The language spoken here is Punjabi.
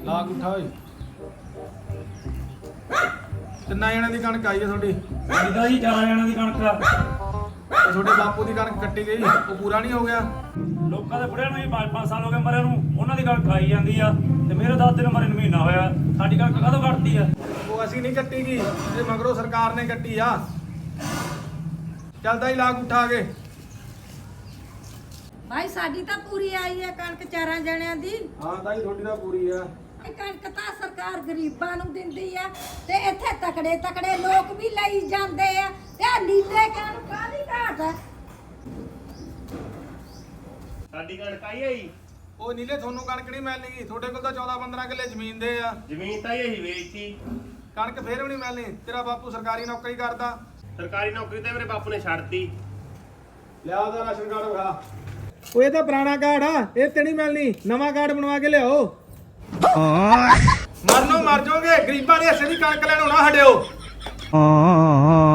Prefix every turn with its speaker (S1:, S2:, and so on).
S1: ਲਾਗ ਉਠਾ ਓਏ ਕਿੰਨਾ ਜਣਾਂ ਦੀ ਕਣਕ ਆਈ ਹੈ ਤੁਹਾਡੀ?
S2: ਇਹਦਾ ਜੀ 4 ਜਣਾਂ ਦੀ ਕਣਕ ਆ।
S1: ਤੇ ਤੁਹਾਡੇ ਬਾਪੂ ਦੀ ਕਣਕ ਕੱਟੀ ਗਈ, ਉਹ ਪੂਰਾ ਨਹੀਂ ਹੋ ਗਿਆ?
S2: ਲੋਕਾਂ ਦੇ ਬੁੜਿਆਂ ਨੂੰ ਜੀ 5-5 ਸਾਲ ਹੋ ਗਏ ਮਰਿਆਂ ਨੂੰ, ਉਹਨਾਂ ਦੀ ਕਣਕ ਖਾਈ ਜਾਂਦੀ ਆ ਤੇ ਮੇਰੇ ਦਾਦੇ ਨੂੰ ਮਰੇ ਨੂੰ ਮਹੀਨਾ ਹੋਇਆ। ਸਾਡੀ ਕਣਕ ਕਦੋਂ ਕੱਟਦੀ ਆ?
S1: ਉਹ ਅਸੀਂ ਨਹੀਂ ਕੱਟੀ ਗਈ, ਇਹ ਮਗਰੋਂ ਸਰਕਾਰ ਨੇ ਕੱਟੀ ਆ। ਚੱਲਦਾ ਹੀ ਲਾਗ ਉਠਾ ਕੇ।
S3: ਭਾਈ ਸਾਡੀ ਤਾਂ ਪੂਰੀ ਆਈ ਹੈ ਕਣਕ 4 ਜਣਿਆਂ ਦੀ।
S1: ਹਾਂ ਤਾਈ ਤੁਹਾਡੀ ਤਾਂ ਪੂਰੀ ਆ।
S3: ਇਹ ਕਣਕ ਤਾਂ ਸਰਕਾਰ ਗਰੀਬਾਂ ਨੂੰ ਦਿੰਦੀ ਆ ਤੇ ਇੱਥੇ ਤਕੜੇ ਤਕੜੇ ਲੋਕ ਵੀ ਲਈ ਜਾਂਦੇ ਆ ਤੇ ਆਹ ਨੀਲੇ ਕਣਕ ਕਾਹਦੀ ਘਾਟ ਹੈ?
S4: ਸਾਡੀ ਕਣਕ ਆਈ ਹੈ ਜੀ।
S1: ਉਹ ਨੀਲੇ ਤੁਹਾਨੂੰ ਕਣਕ ਨਹੀਂ ਮਿਲਣੀ, ਤੁਹਾਡੇ ਕੋਲ ਤਾਂ 14-15 ਕਿੱਲੇ ਜ਼ਮੀਨ ਦੇ ਆ।
S4: ਜ਼ਮੀਨ ਤਾਂ ਇਹੀ ਵੇਚਤੀ।
S1: ਕਣਕ ਫੇਰ ਵੀ ਨਹੀਂ ਮਿਲਣੀ। ਤੇਰਾ ਬਾਪੂ ਸਰਕਾਰੀ ਨੌਕਰੀ ਕਰਦਾ।
S4: ਸਰਕਾਰੀ ਨੌਕਰੀ ਤੇ ਮੇਰੇ ਬਾਪੂ ਨੇ ਛੱਡਤੀ।
S1: ਲਿਆ ਉਹਦਾ ਰਾਸ਼ਨ ਕਾਰਡ ਵਿਖਾ। ਉਹ ਇਹ ਤਾਂ ਪੁਰਾਣਾ ਕਾਰਡ ਆ, ਇਹ ਤੇ ਨਹੀਂ ਮਿਲਣੀ। ਨਵਾਂ ਕਾਰਡ ਬਣਵਾ ਕੇ ਲਿਆਓ। ਮਰਨੋਂ ਮਰ ਜਾਓਗੇ, ਗਰੀਬਾਂ ਦੇ ਹਿੱਸੇ ਦੀ ਕਣਕ ਲੈਣ ਹੋਣਾ ਹਟਿਓ।